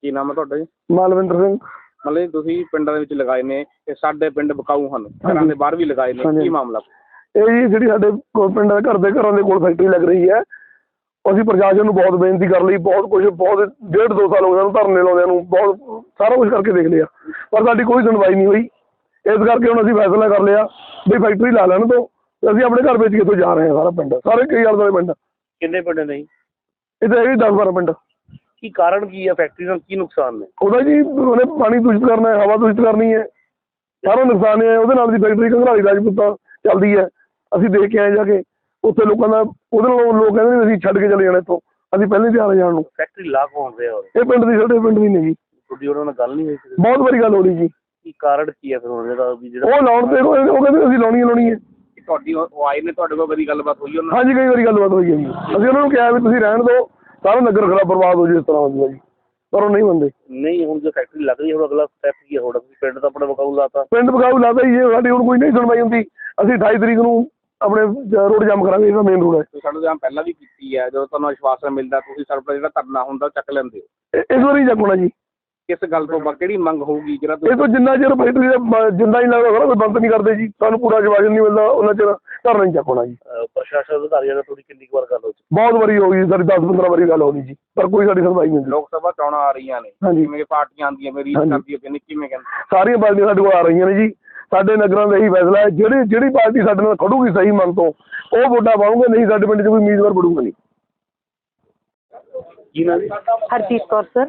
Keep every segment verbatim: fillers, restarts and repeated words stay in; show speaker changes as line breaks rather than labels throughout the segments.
ਕੀ ਨਾਮ ਹੈ ਤੁਹਾਡਾ ਜੀ?
ਮਾਲਵਿੰਦਰ ਸਿੰਘ।
ਮਤਲਬ ਤੁਸੀਂ ਪਿੰਡਾਂ ਦੇ ਵਿੱਚ ਲਗਾਏ ਨੇ ਤੇ ਸਾਡੇ ਪਿੰਡ ਵਿਕਾਊ ਹਨ, ਘਰਾਂ ਦੇ ਬਾਹਰ ਵੀ ਲਗਾਏ ਨੇ, ਕੀ ਮਾਮਲਾ?
ਇਹ ਜੀ ਜਿਹੜੀ ਸਾਡੇ ਪਿੰਡਾਂ ਦੇ ਘਰ ਦੇ ਘਰਾਂ ਦੇ ਕੋਲ ਫੈਕਟਰੀ ਲੱਗ ਰਹੀ ਹੈ, ਅਸੀਂ ਪ੍ਰਸ਼ਾਸਨ ਨੂੰ ਬਹੁਤ ਬੇਨਤੀ ਕਰ ਲਈ, ਬਹੁਤ ਕੁਝ ਬਹੁਤ ਡੇਢ ਦੋ ਸਾਲ ਹੋ ਗਏ ਧਰਨੇ ਲਾਉਂਦਿਆਂ ਨੂੰ, ਬਹੁਤ ਸਾਰਾ ਕੁਝ ਕਰਕੇ ਦੇਖ ਲਿਆ ਪਰ ਸਾਡੀ ਕੋਈ ਸੁਣਵਾਈ ਨਹੀਂ ਹੋਈ। ਇਸ ਕਰਕੇ ਹੁਣ ਅਸੀਂ ਫੈਸਲਾ ਕਰ ਲਿਆ ਵੀ ਫੈਕਟਰੀ ਲਾ ਲੈਣ ਤੋਂ ਅਸੀਂ ਆਪਣੇ ਘਰ ਵੇਚ ਕੇ ਇੱਥੋਂ ਜਾ ਰਹੇ ਹਾਂ। ਸਾਰਾ ਪਿੰਡ ਸਾਰੇ ਕਈ ਆਲੇ ਦੁਆਲੇ ਪਿੰਡ।
ਕਿੰਨੇ ਪਿੰਡ ਨੇ?
ਇੱਥੇ ਹੈਗੇ ਦਸ ਬਾਰਾਂ ਪਿੰਡ।
ਕੀ ਕਾਰਨ ਕੀ ਹੈ? ਫੈਕਟਰੀ ਨਾਲ ਕੀ ਨੁਕਸਾਨ ਨੇ?
ਉਹਦਾ ਜੀ ਉਹਨੇ ਪਾਣੀ ਦੂਸ਼ਿਤ ਕਰਨਾ ਹੈ, ਹਵਾ ਦੂਸ਼ਿਤ ਕਰਨੀ ਹੈ, ਸਾਰਾ ਨੁਕਸਾਨ ਹੈ ਉਹਦੇ ਨਾਲ ਦੀ। ਫੈਕਟਰੀ ਘੰਗਰਾਲੀ ਰਾਜਪੂਤਾਂ ਚੱਲਦੀ ਹੈ, ਅਸੀਂ ਦੇਖ ਕੇ ਆਏ ਜਾ ਕੇ ਉੱਥੇ ਲੋਕਾਂ ਦਾ। ਉਹਦੇ ਨਾਲ ਲੋਕ ਕਹਿੰਦੇ ਨੇ ਅਸੀਂ ਛੱਡ ਕੇ ਚਲੇ ਜਾਣਾ ਇੱਥੋਂ, ਅਸੀਂ ਪਹਿਲਾਂ ਹੀ ਤਿਆਰ ਜਾਣ ਨੂੰ।
ਫੈਕਟਰੀ ਲਾ ਕੌਣ ਰਿਹਾ?
ਇਹ ਪਿੰਡ ਦੀ, ਸਾਡੇ ਪਿੰਡ ਦੀ ਨੇ ਜੀ।
ਤੁਹਾਡੀ ਉਹਨਾਂ ਨਾਲ ਗੱਲ ਨਹੀਂ ਹੋਈ?
ਬਹੁਤ ਵਾਰੀ ਗੱਲ ਹੋ ਰਹੀ ਜੀ।
ਕੀ ਕਾਰਨ ਕੀ ਹੈ ਫਿਰ ਉਹਨਾਂ ਦਾ ਵੀ ਜਿਹੜਾ
ਉਹ ਲਾਉਣ ਤੇ ਉਹ ਕਹਿੰਦੇ ਅਸੀਂ ਲਾਉਣੀ ਲਾਉਣੀ ਹੈ।
ਤੁਹਾਡੀ ਉਹ ਆਏ ਨੇ ਤੁਹਾਡੇ ਕੋਲ, ਕਦੀ ਗੱਲਬਾਤ ਹੋਈ ਉਹਨਾਂ?
ਹਾਂਜੀ ਕਈ ਵਾਰੀ ਗੱਲਬਾਤ ਹੋਈ ਹੈ ਜੀ। ਅਸੀਂ ਉਹਨਾਂ ਨੂੰ ਕਿਹਾ ਵੀ ਤੁਸੀਂ ਰਹਿਣ ਦਿਓ, ਸਾਰਾ ਨਗਰ ਖਰਾਬ ਬਰਬਾਦ ਹੋ ਜੀ ਇਸ ਤਰ੍ਹਾਂ ਹੁੰਦਾ ਜੀ, ਪਰ ਉਹ ਨਹੀਂ ਮੰਨਦੇ।
ਨਹੀਂ ਹੁਣ ਜੋ ਫੈਕਟਰੀ ਲੱਗ ਰਹੀ ਹੈ, ਹੁਣ ਅਗਲਾ ਸਟੈਪ ਕੀ ਹੈ? ਹੁਣ ਪਿੰਡ ਤਾਂ ਆਪਣਾ ਵਿਕਾਊ ਲਾਤਾ।
ਪਿੰਡ ਵਿਕਾਊ ਲਾਤਾ ਜੀ, ਸਾਡੀ ਹੁਣ ਕੋਈ ਨਹੀਂ ਸੁਣਵਾਈ ਹੁੰਦੀ। ਅਸੀਂ ਅਠਾਈ ਤਰੀਕ ਨੂੰ ਆਪਣੇ ਰੋਡ ਜਾਮ ਕਰਾਂਗੇ, ਇਹਦਾ ਮੇਨ ਰੋਡ ਹੈ।
ਸਾਡੇ ਜਾਮ ਪਹਿਲਾਂ ਵੀ ਕੀਤੀ ਹੈ, ਜਦੋਂ ਤੁਹਾਨੂੰ ਵਿਸ਼ਵਾਸ ਮਿਲਦਾ ਤੁਸੀਂ ਸਾਡਾ ਜਿਹੜਾ ਧਰਨਾ ਹੁੰਦਾ ਚੱਕ ਲੈਂਦੇ ਹੋ।
ਇਸ ਵਾਰੀ ਚੱਕਣਾ ਜੀ।
ਕਿਸ ਗੱਲ ਤੋਂ ਕਿਹੜੀ ਮੰਗ ਹੋਊਗੀ ਜਿਹੜਾ
ਇਹ ਤੋਂ ਜਿੰਨਾ ਚਿਰ ਫੈਕਟਰੀ ਦਾ ਜਿੰਦਾ ਨਹੀਂ ਲੱਗਦਾ ਸਾਰਾ ਕੋਈ ਬੰਦ ਨਹੀਂ ਕਰਦੇ ਜੀ, ਸਾਨੂੰ ਪੂਰਾ ਜਵਾਬ ਨਹੀਂ ਮਿਲਦਾ ਉਹਨਾਂ ਚਿਰ ਧਰਨਾ ਨਹੀਂ ਚੱਕਣਾ ਜੀ।
ਪ੍ਰਸ਼ਾਸਨ ਅਧਿਕਾਰੀਆਂ ਨਾਲ ਥੋੜੀ ਕਿੰਨੀ ਵਾਰ ਗੱਲ ਹੋ ਚੁੱਕੀ?
ਬਹੁਤ ਵਾਰੀ ਹੋ ਗਈ ਸਾਡੀ, ਦਸ ਪੰਦਰਾਂ ਵਾਰੀ ਗੱਲ ਹੋ ਗਈ ਜੀ, ਪਰ ਕੋਈ ਸਾਡੀ ਸੁਣਵਾਈ ਨਹੀਂ ਹੁੰਦੀ।
ਲੋਕ ਸਭਾ ਚੋਣਾਂ ਆ ਰਹੀਆਂ ਨੇ, ਜਿਵੇਂ ਪਾਰਟੀਆਂ ਆਉਂਦੀਆਂ ਮੇਰੀ ਕਰਦੀ ਹੈ, ਕਿਵੇਂ ਕਹਿੰਦੇ?
ਸਾਰੀਆਂ ਪਾਰਟੀਆਂ ਸਾਡੇ ਕੋਲ ਆ ਰਹੀਆਂ ਨੇ ਜੀ। ਸਾਡੇ ਨਗਰਾਂ ਦਾ ਇਹੀ ਫੈਸਲਾ ਹੈ, ਜਿਹੜੀ ਜਿਹੜੀ ਪਾਰਟੀ ਸਾਡੇ ਨਾਲ ਖੜੂਗੀ ਸਹੀ ਮਨ ਤੋਂ ਉਹ ਵੋਟਾਂ ਪਾਉਂਗੇ, ਨਹੀਂ ਸਾਡੇ ਪਿੰਡ 'ਚ ਕੋਈ ਉਮੀਦਵਾਰ ਵੜੂਗਾ ਨਹੀਂ।
ਜੀ ਨਾ
ਹਰਜੀਤ ਕੌਰ ਸਰ।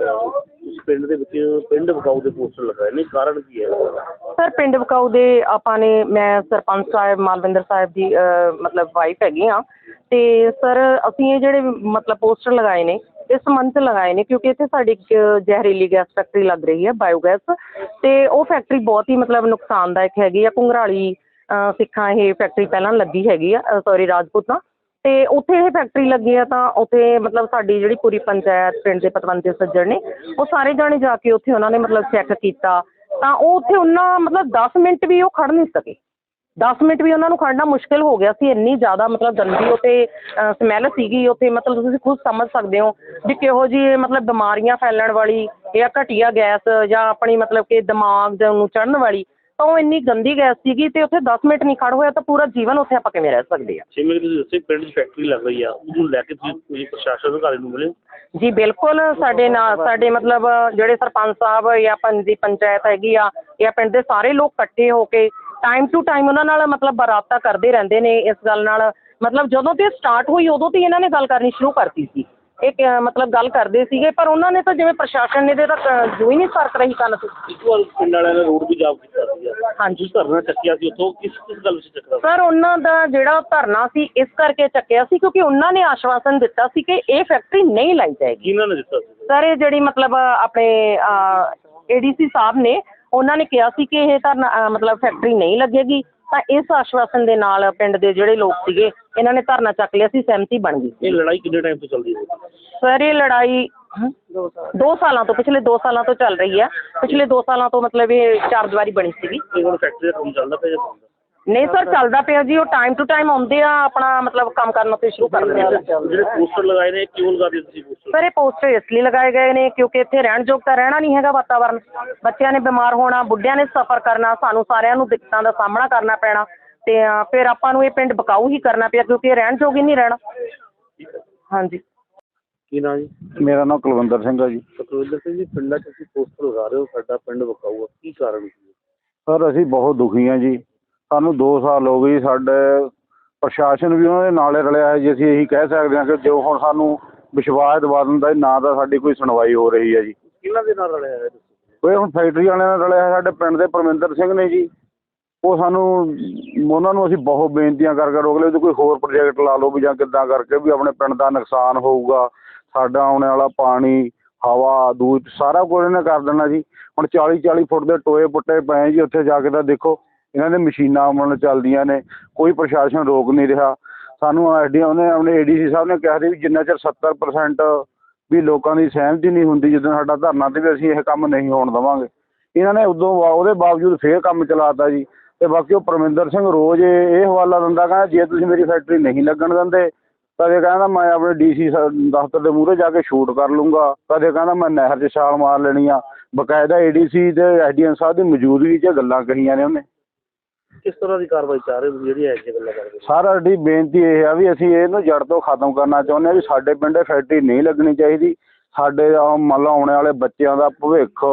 ਪਿੰਡ ਦੇ ਵਿੱਚ ਪਿੰਡ ਵਿਕਾਊ ਦੇ ਪੋਸਟਰ ਲਗਾਏ ਨੇ, ਕਾਰਨ ਕੀ ਹੈ?
ਸਰ ਪਿੰਡ ਵਿਕਾਊ ਦੇ ਆਪਾਂ ਨੇ, ਮੈਂ ਸਰਪੰਚ ਸਾਹਿਬ ਮਾਲਵਿੰਦਰ ਸਾਹਿਬ ਦੀ ਮਤਲਬ ਵਾਈਫ ਹੈਗੀ ਹਾਂ, ਅਤੇ ਸਰ ਅਸੀਂ ਇਹ ਜਿਹੜੇ ਮਤਲਬ ਪੋਸਟਰ ਲਗਾਏ ਨੇ ਇਸ ਸੰਬੰਧ 'ਚ ਲਗਾਏ ਨੇ ਕਿਉਂਕਿ ਇੱਥੇ ਸਾਡੀ ਇੱਕ ਜ਼ਹਿਰੀਲੀ ਗੈਸ ਫੈਕਟਰੀ ਲੱਗ ਰਹੀ ਹੈ, ਬਾਇਓਗੈਸ, ਅਤੇ ਉਹ ਫੈਕਟਰੀ ਬਹੁਤ ਹੀ ਮਤਲਬ ਨੁਕਸਾਨਦਾਇਕ ਹੈਗੀ ਆ। ਘੁੰਗਰਾਲੀ ਸਿੱਖਾਂ ਇਹ ਫੈਕਟਰੀ ਪਹਿਲਾਂ ਲੱਗੀ ਹੈਗੀ ਆ, ਸੋਰੀ ਰਾਜਪੂਤਾਂ, ਅਤੇ ਉੱਥੇ ਇਹ ਫੈਕਟਰੀ ਲੱਗੀ ਆ ਤਾਂ ਉੱਥੇ ਮਤਲਬ ਸਾਡੀ ਜਿਹੜੀ ਪੂਰੀ ਪੰਚਾਇਤ ਪਿੰਡ ਦੇ ਪਤਵੰਤੇ ਸੱਜਣ ਨੇ ਉਹ ਸਾਰੇ ਜਾਣੇ ਜਾ ਕੇ ਉੱਥੇ ਉਹਨਾਂ ਨੇ ਮਤਲਬ ਚੈੱਕ ਕੀਤਾ ਤਾਂ ਉਹ ਉੱਥੇ ਉਹਨਾਂ ਮਤਲਬ ਦਸ ਮਿੰਟ ਵੀ ਉਹ ਖੜ੍ਹ ਨਹੀਂ ਸਕੇ। ਦਸ ਮਿੰਟ ਵੀ ਉਹਨਾਂ ਨੂੰ ਖੜ੍ਹਨਾ ਮੁਸ਼ਕਿਲ ਹੋ ਗਿਆ ਸੀ, ਇੰਨੀ ਜ਼ਿਆਦਾ ਮਤਲਬ ਗੰਦੀ ਉੱਥੇ ਸਮੈਲ ਸੀਗੀ ਉੱਥੇ। ਮਤਲਬ ਤੁਸੀਂ ਖੁਦ ਸਮਝ ਸਕਦੇ ਹੋ ਵੀ ਕਿਹੋ ਜਿਹੀ ਮਤਲਬ ਬਿਮਾਰੀਆਂ ਫੈਲਣ ਵਾਲੀ ਜਾਂ ਘਟੀਆ ਗੈਸ ਜਾਂ ਆਪਣੀ ਮਤਲਬ ਕਿ ਦਿਮਾਗ ਨੂੰ ਚੜ੍ਹਨ ਵਾਲੀ, ਤਾਂ ਉਹ ਇੰਨੀ ਗੰਦੀ ਗੈਸ ਸੀਗੀ ਅਤੇ ਉੱਥੇ ਦਸ ਮਿੰਟ ਨਹੀਂ ਖੜ੍ਹ ਹੋਇਆ ਤਾਂ ਪੂਰਾ ਜੀਵਨ ਉੱਥੇ ਆਪਾਂ ਕਿਵੇਂ ਰਹਿ ਸਕਦੇ ਹਾਂ।
ਜਿਵੇਂ ਤੁਸੀਂ ਦੱਸਿਆ ਪਿੰਡ 'ਚ ਫੈਕਟਰੀ ਲੱਗ ਰਹੀ ਆ, ਉਹਨੂੰ ਲੈ ਕੇ ਤੁਸੀਂ ਤੁਸੀਂ ਪ੍ਰਸ਼ਾਸਨ ਅਧਿਕਾਰੀ ਨੂੰ ਮਿਲੇ?
ਜੀ ਬਿਲਕੁਲ, ਸਾਡੇ ਨਾਲ ਸਾਡੇ ਮਤਲਬ ਜਿਹੜੇ ਸਰਪੰਚ ਸਾਹਿਬ ਜਾਂ ਪਿੰਡ ਦੀ ਪੰਚਾਇਤ ਹੈਗੀ ਆ ਜਾਂ ਪਿੰਡ ਦੇ ਸਾਰੇ ਲੋਕ ਇਕੱਠੇ ਹੋ ਕੇ ਟਾਈਮ ਟੂ ਟਾਈਮ ਉਹਨਾਂ ਨਾਲ ਮਤਲਬ ਰਾਬਤਾ ਕਰਦੇ ਰਹਿੰਦੇ ਨੇ ਇਸ ਗੱਲ ਨਾਲ। ਮਤਲਬ ਜਦੋਂ ਤੇ ਸਟਾਰਟ ਹੋਈ ਉਦੋਂ ਤੋਂ ਹੀ ਇਹਨਾਂ ਨੇ ਗੱਲ ਕਰਨੀ ਸ਼ੁਰੂ ਕਰਤੀ ਸੀ, ਇਹ ਮਤਲਬ ਗੱਲ ਕਰਦੇ ਸੀਗੇ, ਪਰ ਉਹਨਾਂ ਨੇ ਤਾਂ ਜਿਵੇਂ ਪ੍ਰਸ਼ਾਸਨ ਨੇ ਤਾਂ ਜੋ ਹੀ ਨਹੀਂ ਸਰਕ ਰਹੀ ਕੰਨ ਤੋਂ।
ਇੱਕ ਵਾਰ ਪਿੰਡ ਵਾਲਿਆਂ ਨੇ ਰੋਡ ਵੀ ਜਾਮ ਕੀਤਾ ਸੀ।
ਹਾਂਜੀ
ਧਰਨਾ ਚੱਕਿਆ ਸੀ ਉੱਥੋਂ, ਕਿਸ ਕਿਸ ਗੱਲ ਵਿੱਚ ਚੱਕਿਆ
ਸਰ? ਉਹਨਾਂ ਦਾ ਜਿਹੜਾ ਧਰਨਾ ਸੀ ਇਸ ਕਰਕੇ ਚੱਕਿਆ ਸੀ ਕਿਉਂਕਿ ਉਹਨਾਂ ਨੇ ਆਸ਼ਵਾਸਨ ਦਿੱਤਾ ਸੀ ਕਿ ਇਹ ਫੈਕਟਰੀ ਨਹੀਂ ਲਾਈ ਜਾਏਗੀ।
ਕਿਹਨਾਂ ਨੇ ਦਿੱਤਾ ਸੀ
ਸਰ? ਇਹ ਜਿਹੜੀ ਮਤਲਬ ਆਪਣੇ ਏ ਡੀ ਸੀ ਸਾਹਿਬ ਨੇ, ਉਹਨਾਂ ਨੇ ਕਿਹਾ ਸੀ ਕਿ ਇਹ ਧਰਨਾ ਮਤਲਬ ਫੈਕਟਰੀ ਨਹੀਂ ਲੱਗੇਗੀ, ਤਾਂ ਇਸ ਆਸ਼ਵਾਸਨ ਦੇ ਨਾਲ ਪਿੰਡ ਦੇ ਜਿਹੜੇ ਲੋਕ ਸੀਗੇ ਇਹਨਾਂ ਨੇ ਧਰਨਾ ਚੱਕ ਲਿਆ ਸੀ, ਸਹਿਮਤੀ ਬਣ ਗਈ।
ਇਹ ਲੜਾਈ ਕਿੰਨੇ ਟਾਈਮ ਤੋਂ ਚੱਲਦੀ ਹੈ
ਸਰ? ਇਹ ਲੜਾਈ ਦੋ ਸਾਲਾਂ ਤੋਂ, ਪਿਛਲੇ ਦੋ ਸਾਲਾਂ ਤੋਂ ਚੱਲ ਰਹੀ ਹੈ। ਪਿਛਲੇ ਦੋ ਸਾਲਾਂ ਤੋਂ ਮਤਲਬ ਇਹ ਚਾਰ ਦੀਵਾਰੀ ਬਣੀ ਸੀਗੀ।
ਇਹ ਹੁਣ ਫੈਕਟਰੀ ਦਾ ਕੰਮ ਚੱਲਦਾ ਪਿਆ?
ਨਹੀਂ ਸਰ, ਚੱਲਦਾ ਪਿਆ ਜੀ। ਉਹ ਟਾਈਮ ਟੂ ਟਾਈਮ ਆਉਂਦੇ ਆ, ਆਪਣਾ ਮਤਲਬ ਕੰਮ ਕਰਨਾ ਤੇ ਸ਼ੁਰੂ ਕਰ ਦਿੰਦੇ ਆ।
ਜਿਹੜੇ ਪੋਸਟਰ ਲਗਾਏ ਨੇ ਕਿਉਂ ਲਗਾ ਦਿੱਤੇ ਤੁਸੀਂ ਪੋਸਟਰ?
ਸਰ ਇਹ ਪੋਸਟਰ ਇਸ ਲਈ ਲਗਾਏ ਗਏ ਨੇ ਕਿਉਂਕਿ ਇੱਥੇ ਰਹਿਣ ਯੋਗ ਤਾਂ ਰਹਿਣਾ ਨਹੀਂ ਹੈਗਾ ਵਾਤਾਵਰਨ। ਬੱਚਿਆਂ ਨੇ ਬਿਮਾਰ ਹੋਣਾ, ਬੁੱਢਿਆਂ ਨੇ ਸਫ਼ਰ ਕਰਨਾ, ਸਾਨੂੰ ਸਾਰਿਆਂ ਨੂੰ ਦਿੱਕਤਾਂ ਦਾ ਸਾਹਮਣਾ ਕਰਨਾ ਪੈਣਾ, ਅਤੇ ਫਿਰ ਆਪਾਂ ਨੂੰ ਇਹ ਪਿੰਡ ਵਿਕਾਊ ਹੀ ਕਰਨਾ ਪਿਆ ਕਿਉਂਕਿ ਇਹ ਰਹਿਣ ਯੋਗ ਹੀ ਨਹੀਂ ਰਹਿਣਾ। ਹਾਂਜੀ।
ਕੀ ਨਾਂ ਜੀ?
ਮੇਰਾ ਨਾਮ ਕੁਲਵਿੰਦਰ ਸਿੰਘ ਹੈ ਜੀ।
ਕੁਲਵਿੰਦਰ ਸਿੰਘ ਜੀ, ਪਿੰਡਾਂ 'ਚ ਤੁਸੀਂ ਪੋਸਟਰ ਲਗਾ ਰਹੇ ਹੋ ਸਾਡਾ ਪਿੰਡ ਵਿਕਾਊ ਆ, ਕੀ ਕਾਰਨ ਸੀ?
ਸਰ ਅਸੀਂ ਬਹੁਤ ਦੁਖੀ ਹਾਂ ਜੀ, ਸਾਨੂੰ ਦੋ ਸਾਲ ਹੋ ਗਏ। ਸਾਡੇ ਪ੍ਰਸ਼ਾਸਨ ਵੀ ਉਹਨਾਂ ਦੇ ਨਾਲੇ ਰਲਿਆ ਹੈ ਜੀ। ਅਸੀਂ ਇਹੀ ਕਹਿ ਸਕਦੇ ਹਾਂ ਕਿ ਜੋ ਹੁਣ ਸਾਨੂੰ ਵਿਸ਼ਵਾਸ ਦਿਵਾ ਦਿੰਦਾ ਨਾ ਤਾਂ ਸਾਡੀ ਕੋਈ ਸੁਣਵਾਈ ਹੋ ਰਹੀ ਹੈ ਜੀ।
ਕਿਹਨਾਂ ਦੇ ਨਾਲ ਰਲਿਆ ਹੈ?
ਉਹ ਹੁਣ ਫੈਕਟਰੀ ਵਾਲਿਆਂ ਨਾਲ ਰਲਿਆ ਹੈ, ਸਾਡੇ ਪਿੰਡ ਦੇ ਪਰਮਿੰਦਰ ਸਿੰਘ ਨੇ ਜੀ। ਉਹ ਸਾਨੂੰ ਉਹਨਾਂ ਨੂੰ ਅਸੀਂ ਬਹੁਤ ਬੇਨਤੀਆਂ ਕਰਕੇ ਰੋਕ ਲਿਆ ਵੀ ਕੋਈ ਹੋਰ ਪ੍ਰੋਜੈਕਟ ਲਾ ਲਓ ਵੀ ਜਾਂ ਕਿੱਦਾਂ ਕਰਕੇ ਵੀ ਆਪਣੇ ਪਿੰਡ ਦਾ ਨੁਕਸਾਨ ਹੋਊਗਾ, ਸਾਡਾ ਆਉਣ ਵਾਲਾ ਪਾਣੀ, ਹਵਾ, ਦੂਧ ਸਾਰਾ ਕੁਝ ਇਹਨੇ ਕਰ ਦੇਣਾ ਜੀ। ਹੁਣ ਚਾਲੀ ਚਾਲੀ ਫੁੱਟ ਦੇ ਟੋਏ ਪੁੱਟੇ ਪਏ ਜੀ, ਉੱਥੇ ਜਾ ਕੇ ਤਾਂ ਦੇਖੋ ਇਹਨਾਂ ਦੇ ਮਸ਼ੀਨਾਂ ਮਤਲਬ ਚੱਲਦੀਆਂ ਨੇ, ਕੋਈ ਪ੍ਰਸ਼ਾਸਨ ਰੋਕ ਨਹੀਂ ਰਿਹਾ ਸਾਨੂੰ। ਐਸ ਡੀ ਉਹਨੇ ਆਪਣੇ ਏ ਡੀ ਸੀ ਸਾਹਿਬ ਨੇ ਕਿਹਾ ਸੀ ਵੀ ਜਿੰਨਾ ਚਿਰ ਸੱਤਰ ਪਰਸੈਂਟ ਵੀ ਲੋਕਾਂ ਦੀ ਸਹਿਮਤੀ ਨਹੀਂ ਹੁੰਦੀ ਜਦੋਂ ਸਾਡਾ ਧਰਨਾ, ਤੇ ਵੀ ਅਸੀਂ ਇਹ ਕੰਮ ਨਹੀਂ ਹੋਣ ਦੇਵਾਂਗੇ। ਇਹਨਾਂ ਨੇ ਉਦੋਂ ਉਹਦੇ ਬਾਵਜੂਦ ਫੇਰ ਕੰਮ ਚਲਾਤਾ ਜੀ। ਅਤੇ ਬਾਕੀ ਉਹ ਪਰਮਿੰਦਰ ਸਿੰਘ ਰੋਜ਼ ਇਹ ਹਵਾਲਾ ਦਿੰਦਾ, ਕਹਿੰਦਾ ਜੇ ਤੁਸੀਂ ਮੇਰੀ ਫੈਕਟਰੀ ਨਹੀਂ ਲੱਗਣ ਦਿੰਦੇ ਕਦੇ ਕਹਿੰਦਾ ਮੈਂ ਆਪਣੇ ਡੀਸੀ ਦਫ਼ਤਰ ਦੇ ਮੂਹਰੇ ਜਾ ਕੇ ਸ਼ੂਟ ਕਰ ਲੂੰਗਾ, ਕਦੇ ਕਹਿੰਦਾ ਮੈਂ ਨਹਿਰ 'ਚ ਛਾਲ ਮਾਰ ਲੈਣੀ ਆ। ਬਕਾਇਦਾ ਏਡੀਸੀ ਤੇ ਐਸਡੀਐਮ ਸਾਹਿਬ ਦੀ ਮੌਜੂਦਗੀ 'ਚ ਗੱਲਾਂ ਕਹੀਆਂ ਨੇ ਉਹਨੇ।
ਕਿਸ ਤਰ੍ਹਾਂ ਦੀ ਕਾਰਵਾਈ ਚਾਹ ਰਹੇ ਹੋ ਜਿਹੜੀ ਐਸੀ ਗੱਲਾਂ ਕਰਦੇ?
ਸਰ ਸਾਡੀ ਬੇਨਤੀ ਇਹ ਆ ਵੀ ਅਸੀਂ ਇਹਨੂੰ ਜੜ ਤੋਂ ਖਤਮ ਕਰਨਾ ਚਾਹੁੰਦੇ ਹਾਂ ਵੀ ਸਾਡੇ ਪਿੰਡ ਫੈਕਟਰੀ ਨਹੀਂ ਲੱਗਣੀ ਚਾਹੀਦੀ। ਸਾਡੇ ਮੰਨ ਲਓ ਆਉਣ ਵਾਲੇ ਬੱਚਿਆਂ ਦਾ ਭਵਿੱਖ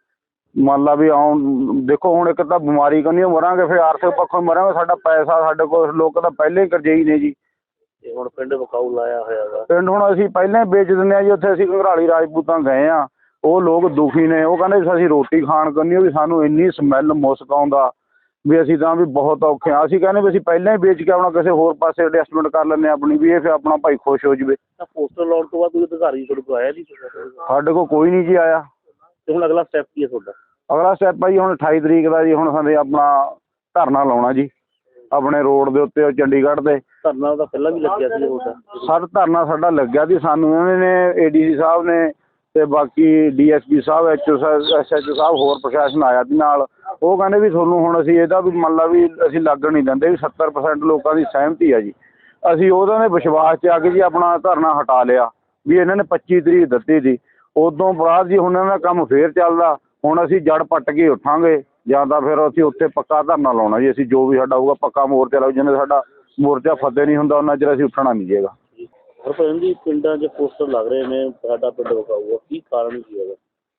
ਮੰਨ ਲਾ ਵੀ ਆਉਣ ਦੇਖੋ ਹੁਣ ਇੱਕ ਤਾਂ ਬਿਮਾਰੀ ਕੰਨੀ ਮਰਾਂਗੇ, ਫਿਰ ਆਰਥਿਕ ਪੱਖੋਂ ਮਰਾਂਗੇ। ਸਾਡਾ ਪੈਸਾ ਸਾਡੇ ਕੋਲ ਲੋਕ ਤਾਂ ਪਹਿਲਾਂ ਹੀ ਕਰਜ਼ਈ ਨੇ ਜੀ।
ਤੇ ਹੁਣ ਪਿੰਡ ਵਿਕਾਊ ਲਾਇਆ ਹੋਇਆ ਵਾ
ਪਿੰਡ ਹੁਣ ਅਸੀਂ ਪਹਿਲਾਂ ਹੀ ਵੇਚ ਦਿੰਦੇ ਹਾਂ ਜੀ। ਉੱਥੇ ਅਸੀਂ ਘੰਗਰਾਲੀ ਰਾਜਪੂਤਾਂ ਗਏ ਹਾਂ, ਉਹ ਲੋਕ ਦੁਖੀ ਨੇ। ਉਹ ਕਹਿੰਦੇ ਅਸੀਂ ਰੋਟੀ ਖਾਣ ਕੰਨੀ ਵੀ ਸਾਨੂੰ ਇੰਨੀ ਸਮੈਲ ਮੁਸਕ ਆਉਂਦਾ ਵੀ ਅਸੀਂ ਤਾਂ ਵੀ ਬਹੁਤ ਔਖੇ ਹਾਂ। ਅਸੀਂ ਕਹਿੰਦੇ ਵੀ ਅਸੀਂ ਪਹਿਲਾਂ ਹੀ ਵੇਚ ਕੇ ਆਪਣਾ ਕਿਸੇ ਹੋਰ ਪਾਸੇ ਐਡਜਸਟਮੈਂਟ ਕਰ ਲੈਂਦੇ ਹਾਂ ਆਪਣੀ, ਵੀ ਇਹ ਫਿਰ ਆਪਣਾ ਭਾਈ ਖੁਸ਼ ਹੋ ਜਾਵੇ।
ਤਾਂ ਪੋਸਟਰ ਲਾਉਣ ਤੋਂ ਬਾਅਦ ਕੋਈ ਅਧਿਕਾਰੀ ਤੁਹਾਡੇ ਕੋਲ ਆਇਆ ਨਹੀਂ?
ਸਾਡੇ ਕੋਲ ਕੋਈ ਨਹੀਂ ਜੀ ਆਇਆ।
ਤੇ ਹੁਣ ਅਗਲਾ ਸਟੈਪ ਕੀ ਹੈ ਤੁਹਾਡਾ?
ਅਗਲਾ ਸਟੈਪ ਆ ਜੀ ਹੁਣ ਅਠਾਈ ਤਰੀਕ ਦਾ ਜੀ ਹੁਣ ਸਾਡੇ ਆਪਣਾ ਧਰਨਾ ਲਾਉਣਾ ਜੀ ਆਪਣੇ ਰੋਡ ਦੇ ਉੱਤੇ ਚੰਡੀਗੜ੍ਹ ਦੇ।
ਧਰਨਾ ਤਾਂ ਪਹਿਲਾਂ ਵੀ ਲੱਗਿਆ ਸੀ ਤੁਹਾਡਾ?
ਸਰ ਧਰਨਾ ਸਾਡਾ ਲੱਗਿਆ ਸੀ। ਸਾਨੂੰ ਇਹਨਾਂ ਨੇ ਏਡੀਸੀ ਸਾਹਿਬ ਨੇ ਤੇ ਬਾਕੀ ਡੀਐਸਪੀ ਸਾਹਿਬ, ਐਚਓ ਸਾਹਿਬ, ਐਸਐਚਓ ਸਾਹਿਬ, ਹੋਰ ਪ੍ਰਸ਼ਾਸਨ ਆਇਆ ਸੀ ਨਾਲ। ਉਹ ਕਹਿੰਦੇ ਵੀ ਤੁਹਾਨੂੰ ਹੁਣ ਅਸੀਂ ਇਹਦਾ ਵੀ ਮੰਨ ਲਾ ਵੀ ਅਸੀਂ ਲੱਗਣ ਨਹੀਂ ਦਿੰਦੇ ਵੀ ਸੱਤਰ ਪਰਸੈਂਟ ਲੋਕਾਂ ਦੀ ਸਹਿਮਤੀ ਆ ਜੀ। ਅਸੀਂ ਉਹਨਾਂ ਦੇ ਵਿਸ਼ਵਾਸ 'ਚ ਆ ਕੇ ਜੀ ਆਪਣਾ ਧਰਨਾ ਹਟਾ ਲਿਆ ਵੀ ਇਹਨਾਂ ਨੇ ਪੱਚੀ ਤਰੀਕ ਦਿੱਤੀ ਸੀ। ਉਦੋਂ ਬਾਅਦ ਜੀ ਹੁਣ ਇਹਨਾਂ ਦਾ ਕੰਮ ਫੇਰ ਚੱਲਦਾ। ਹੁਣ ਅਸੀਂ ਜੜ ਪੱਟ ਕੇ ਉੱਠਾਂਗੇ ਜਾਂ ਤਾਂ ਫਿਰ ਅਸੀਂ ਉੱਥੇ ਪੱਕਾ ਧਰਨਾ ਲਾਉਣਾ ਜੀ। ਅਸੀਂ ਜੋ ਵੀ ਸਾਡਾ ਹੋਊਗਾ ਪੱਕਾ ਮੋਰਚਾ ਲਾਉ। ਜਿੰਨੇ ਸਾਡਾ ਮੋਰਚਾ ਫਤਿਹ ਨਹੀਂ ਹੁੰਦਾ ਉਹਨਾਂ ਚਿਰ ਅਸੀਂ ਉੱਠਣਾ ਨਹੀਂ ਜੇਗਾ।
ਹਰਭਜਨ ਜੀ ਪਿੰਡਾਂ 'ਚ ਪੋਸਟਰ ਲੱਗ ਰਹੇ ਨੇ ਸਾਡਾ ਪਿੰਡ ਵਿਕਾਊ, ਕੀ ਕਾਰਨ ਕੀ ਹੈਗਾ?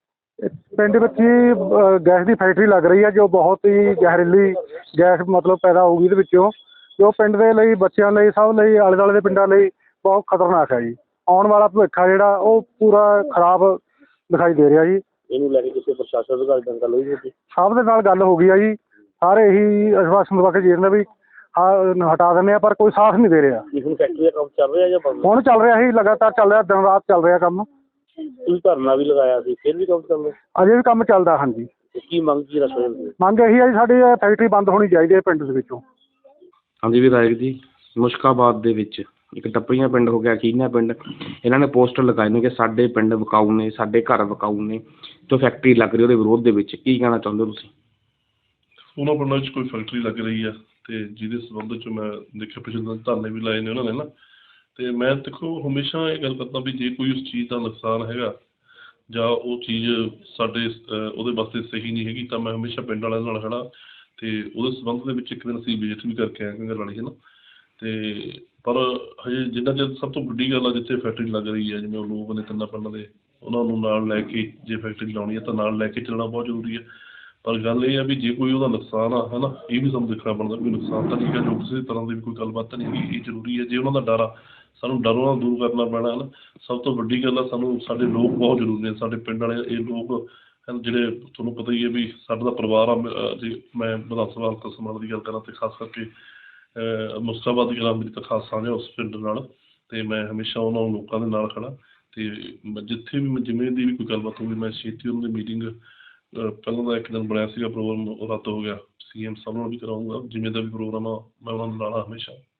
ਪਿੰਡ ਵਿੱਚ ਹੀ ਗੈਸ ਦੀ ਫੈਕਟਰੀ ਲੱਗ ਰਹੀ ਹੈ ਜੋ ਬਹੁਤ ਹੀ ਜ਼ਹਿਰੀਲੀ ਗੈਸ ਮਤਲਬ ਪੈਦਾ ਹੋਊਗੀ ਇਹਦੇ ਵਿੱਚੋਂ, ਜੋ ਪਿੰਡ ਦੇ ਲਈ, ਬੱਚਿਆਂ ਲਈ, ਸਭ ਲਈ, ਆਲੇ ਦੁਆਲੇ ਦੇ ਪਿੰਡਾਂ ਲਈ ਬਹੁਤ ਖਤਰਨਾਕ ਹੈ ਜੀ। ਆਉਣ ਵਾਲਾ ਭਵਿੱਖ ਆ ਜਿਹੜਾ ਉਹ ਪੂਰਾ ਖਰਾਬ ਦਿਖਾਈ ਦੇ ਰਿਹਾ ਜੀ।
ਇਹਨੂੰ ਲੈ ਕੇ ਕਿਸੇ ਪ੍ਰਸ਼ਾਸਨ ਅਧਿਕਾਰੀ ਨਾਲ ਗੱਲ ਹੋਈ ਸੀ?
ਸਭ ਦੇ ਨਾਲ ਗੱਲ ਹੋ ਗਈ ਆ ਜੀ। ਸਾਰੇ ਇਹੀ ਆਸ਼ਵਾਸਨ ਦਵਾ ਕੇ ਜੀ ਨੇ ਵੀ ਹਾਂ ਹਟਾ ਦਿੰਦੇ ਆ, ਪਰ ਕੋਈ ਸਾਥ ਨਹੀਂ ਦੇ ਰਿਹਾ।
ਹੁਣ ਫੈਕਟਰੀ ਦਾ ਕੰਮ ਚੱਲ ਰਿਹਾ ਜਾਂ ਬੰਦ?
ਹੁਣ ਚੱਲ ਰਿਹਾ ਜੀ, ਲਗਾਤਾਰ ਚੱਲ ਰਿਹਾ, ਦਿਨ ਰਾਤ ਚੱਲ ਰਿਹਾ ਕੰਮ।
ਤੁਸੀਂ ਧਰਨਾ ਵੀ ਲਗਾਇਆ ਸੀ, ਫਿਰ ਵੀ ਕੰਮ ਚੱਲ ਰਿਹਾ?
ਅਜੇ ਵੀ ਕੰਮ ਚੱਲਦਾ। ਹਾਂਜੀ।
ਕੀ ਮੰਗ ਕੀ ਰੱਖ ਰਹੇ ਹੋ?
ਮੰਗ ਇਹੀ ਹੈ ਜੀ ਸਾਡੀ ਫੈਕਟਰੀ ਬੰਦ ਹੋਣੀ ਚਾਹੀਦੀ ਹੈ ਪਿੰਡ ਦੇ ਵਿੱਚੋਂ।
ਹਾਂਜੀ ਵਿਧਾਇਕ ਜੀ, ਮੁਸ਼ਕਾਬਾਦ ਦੇ ਵਿੱਚ ਇੱਕ ਟੱਪਰੀਆਂ ਪਿੰਡ ਹੋ ਗਿਆ, ਕੀਨਾ ਪਿੰਡ, ਇਹਨਾਂ ਨੇ ਪੋਸਟਰ ਲਗਾਏ ਨੇ ਕਿ ਸਾਡੇ ਪਿੰਡ ਵਿਕਾਊ ਨੇ, ਸਾਡੇ ਘਰ ਵਿਕਾਊ ਨੇ, ਜੋ ਫੈਕਟਰੀ ਲੱਗ ਰਹੀ ਉਹਦੇ ਵਿਰੋਧ ਦੇ ਵਿੱਚ। ਕੀ ਕਹਿਣਾ ਚਾਹੁੰਦੇ ਹੋ ਤੁਸੀਂ?
ਉਹਨਾਂ ਪਿੰਡਾਂ 'ਚ ਕੋਈ ਫੈਕਟਰੀ ਲੱਗ ਰਹੀ ਆ ਅਤੇ ਜਿਹਦੇ ਸੰਬੰਧ 'ਚ ਮੈਂ ਦੇਖਿਆ ਪਿਛਲੇ ਦਿਨ ਧਰਨੇ ਵੀ ਲਾਏ ਨੇ ਉਹਨਾਂ ਨੇ ਨਾ। ਅਤੇ ਮੈਂ ਦੇਖੋ ਹਮੇਸ਼ਾ ਇਹ ਗੱਲ ਕਰਦਾ ਵੀ ਜੇ ਕੋਈ ਉਸ ਚੀਜ਼ ਦਾ ਨੁਕਸਾਨ ਹੈਗਾ ਜਾਂ ਉਹ ਚੀਜ਼ ਸਾਡੇ ਉਹਦੇ ਵਾਸਤੇ ਸਹੀ ਨਹੀਂ ਹੈਗੀ ਤਾਂ ਮੈਂ ਹਮੇਸ਼ਾ ਪਿੰਡ ਵਾਲਿਆਂ ਨਾਲ ਖੜ੍ਹਾ। ਅਤੇ ਉਹਦੇ ਸੰਬੰਧ ਦੇ ਵਿੱਚ ਇੱਕ ਦਿਨ ਅਸੀਂ ਵਿਜ਼ਿਟ ਵੀ ਕਰਕੇ ਆਏ ਘੰਗਰਾਲੀ ਹੈ ਨਾ। ਅਤੇ ਪਰ ਹਜੇ ਜਿੰਨਾ ਚਿਰ ਸਭ ਤੋਂ ਵੱਡੀ ਗੱਲ ਆ ਜਿੱਥੇ ਫੈਕਟਰੀ ਲੱਗ ਰਹੀ ਹੈ, ਜਿਵੇਂ ਉਹ ਲੋਕ ਨੇ ਤਿੰਨਾਂ ਪਿੰਡਾਂ ਦੇ, ਉਹਨਾਂ ਨੂੰ ਨਾਲ ਲੈ ਕੇ ਜੇ ਫੈਕਟਰੀ ਲਾਉਣੀ ਹੈ ਤਾਂ ਨਾਲ ਲੈ ਕੇ ਚੱਲਣਾ ਬਹੁਤ ਜ਼ਰੂਰੀ ਹੈ। ਪਰ ਗੱਲ ਇਹ ਆ ਵੀ ਜੇ ਕੋਈ ਉਹਦਾ ਨੁਕਸਾਨ ਆ ਹੈ ਨਾ, ਇਹ ਵੀ ਸਾਨੂੰ ਦੇਖਣਾ ਪੈਂਦਾ ਕੋਈ ਨੁਕਸਾਨ ਤਾਂ ਨਹੀਂ ਹੈਗਾ, ਜੋ ਕਿਸੇ ਤਰ੍ਹਾਂ ਦੀ ਵੀ ਕੋਈ ਗੱਲਬਾਤ ਤਾਂ ਨਹੀਂ ਹੈਗੀ। ਇਹ ਜ਼ਰੂਰੀ ਹੈ। ਜੇ ਉਹਨਾਂ ਦਾ ਡਰ ਆ ਸਾਨੂੰ ਡਰੋਂ ਨਾਲ ਦੂਰ ਕਰਨਾ ਪੈਣਾ ਹੈ ਨਾ। ਸਭ ਤੋਂ ਵੱਡੀ ਗੱਲ ਆ ਸਾਨੂੰ ਸਾਡੇ ਲੋਕ ਬਹੁਤ ਜ਼ਰੂਰੀ ਨੇ, ਸਾਡੇ ਪਿੰਡ ਵਾਲੇ ਇਹ ਲੋਕ ਹਨ ਜਿਹੜੇ ਤੁਹਾਨੂੰ ਪਤਾ ਹੀ ਹੈ ਵੀ ਸਾਡਾ ਦਾ ਪਰਿਵਾਰ ਆ। ਜੇ ਮੈਂ ਵਿਧਾਨ ਸਭਾ ਹਲਕਾ ਸਮਾਣਾ ਦੀ ਗੱਲ ਕਰਾਂ ਅਤੇ ਖਾਸ ਕਰਕੇ ਮੁਸਤਾਬਾਦ ਦੀ ਗੱਲ ਮੇਰੀ ਤਾਂ ਖਾਸ ਸਾਂਝ ਉਸ ਪਿੰਡ ਨਾਲ, ਅਤੇ ਮੈਂ ਹਮੇਸ਼ਾ ਉਹਨਾਂ ਲੋਕਾਂ ਦੇ ਨਾਲ ਖੜ੍ਹਾ। ਅਤੇ ਜਿੱਥੇ ਵੀ ਜਿਵੇਂ ਦੀ ਵੀ ਕੋਈ ਗੱਲਬਾਤ ਹੋਊਗੀ ਮੈਂ ਛੇਤੀ ਉਹਨਾਂ ਦੀ ਮੀਟਿੰਗ, ਪਹਿਲਾਂ ਦਾ ਇੱਕ ਦਿਨ ਬਣਿਆ ਸੀਗਾ ਪ੍ਰੋਗਰਾਮ, ਉਹ ਰੱਦ ਹੋ ਗਿਆ, ਸੀ ਐਮ ਸਾਹਿਬ ਨਾਲ ਵੀ ਕਰਾਊਂਗਾ। ਜਿਵੇਂ ਦਾ ਵੀ ਪ੍ਰੋਗਰਾਮ ਆ ਮੈਂ ਉਹਨਾਂ ਨੂੰ ਲਾਣਾ ਹਮੇਸ਼ਾ।